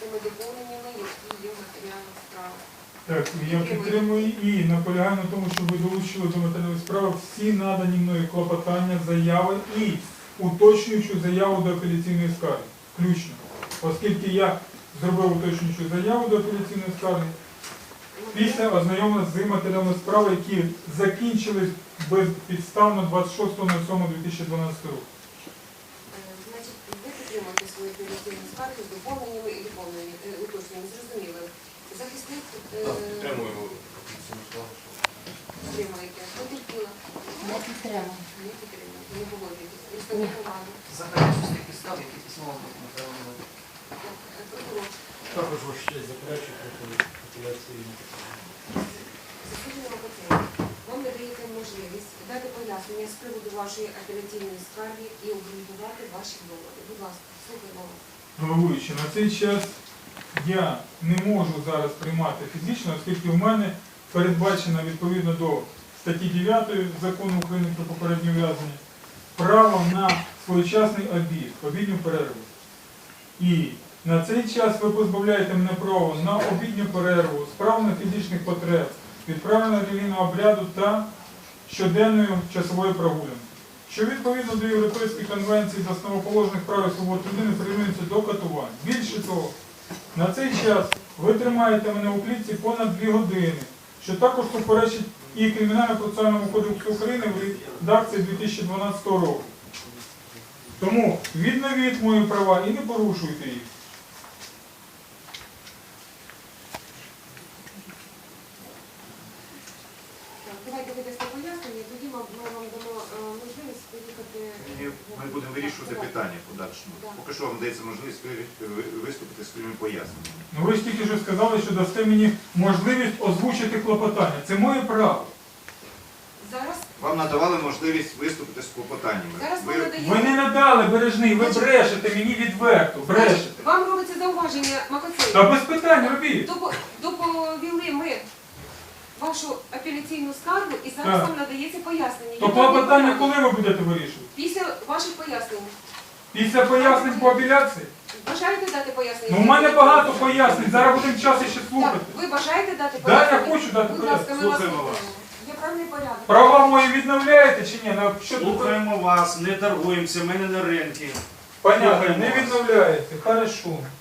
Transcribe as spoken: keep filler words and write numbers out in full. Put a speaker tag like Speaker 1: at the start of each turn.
Speaker 1: тими доповненнями, які є в матеріалах справи.
Speaker 2: Так, я підтримую і наполягаю на тому, щоб ви долучили до матеріалів справи всі надані мною клопотання, заяви і уточнюючу заяву до апеляційної скарги. Включно. Оскільки я зробив уточнюючу заяву до апеляційної скарги, після ознайомлення з матеріалами справи, які закінчились безпідставно двадцять шостого сьомого дві тисячі дванадцятого року.
Speaker 1: Значить, ви підтримуєте свої апеляційні скарги з доповненнями і доповненнями, е, уточненнями, зрозуміло. Захисник е,
Speaker 3: Підтримуємо.
Speaker 1: підтримуєте. Потерпіла.
Speaker 4: Не підтримую.
Speaker 1: Не підтримуєте, не погоджуєтесь. Представник влади.
Speaker 5: Заперечити підстав, які письмово матеріали.
Speaker 1: Так, е, прокурор.
Speaker 6: Також ваш честь заперечую проти апеляційної.
Speaker 1: Засуджено Макоцей. Вам надаєте можливість дати пояснення з приводу вашої апеляційної скарги і обґрунтувати ваші доводи. Будь ласка, слухаємо вас.
Speaker 2: Головуючи, на цей час я не можу зараз приймати фізично, оскільки в мене передбачено відповідно до статті дев'ятої Закону України про попереднє ув'язнення право на своєчасний обід, обідню перерву. І на цей час ви позбавляєте мене права на обідню перерву, справлення фізичних потреб, відправлення релігійного обряду та щоденної часової прогулянки, що відповідно до Європейської конвенції з основоположних прав і свобод людини прирівнюється до катувань. Більше того, на цей час ви тримаєте мене у клітці понад дві години, що також суперечить і Кримінально-процесуальному кодексу України в редакції дві тисячі дванадцятого року. Тому відновіть мої права і не порушуйте їх.
Speaker 1: Так, давайте ви дасте пояснення, тоді ми ми вам дамо е, можливість поїхати.
Speaker 3: І ми будемо вирішувати питання в подальшому.
Speaker 1: Да.
Speaker 3: Поки що вам дається можливість ви- ви- виступити з своїми поясненнями.
Speaker 2: Ну ви ж тільки що сказали, що дасте мені можливість озвучити клопотання. Це моє право.
Speaker 1: Зараз,
Speaker 3: Вам надавали можливість виступити з клопотаннями.
Speaker 1: зараз
Speaker 3: Ви-
Speaker 1: вам надаємо.
Speaker 2: Ви не надали, Бережний, ви брешете мені відверто, брешете.
Speaker 1: Значить, вам робиться зауваження, Макоцей.
Speaker 2: Та без питань робіть.
Speaker 1: Допо- Доповіли ми вашу апеляційну скаргу і зараз
Speaker 2: Так.
Speaker 1: вам надається пояснення.
Speaker 2: То
Speaker 1: Яке
Speaker 2: клопотання
Speaker 1: ви-
Speaker 2: коли ви будете вирішувати?
Speaker 1: Після ваших пояснень.
Speaker 2: Після пояснень по апеляції?
Speaker 1: Бажаєте дати пояснення?
Speaker 2: Ну, у мене багато пояснень, зараз будемо час ще
Speaker 1: Так,
Speaker 2: слухати.
Speaker 1: ви бажаєте дати
Speaker 2: Да, я
Speaker 1: пояснення?
Speaker 2: хочу дати
Speaker 1: Будь ласка, ми вас
Speaker 3: Слухаємо вас.
Speaker 1: слухаємо. Є правильний порядок.
Speaker 2: Права мої відновляєте чи ні? Ну, що тут?
Speaker 6: Слухаємо вас, не торгуємося, ми не на ринку.
Speaker 2: Понятно,
Speaker 6: Слухаємо
Speaker 2: не
Speaker 6: вас.
Speaker 2: відновляєте. Хорошо.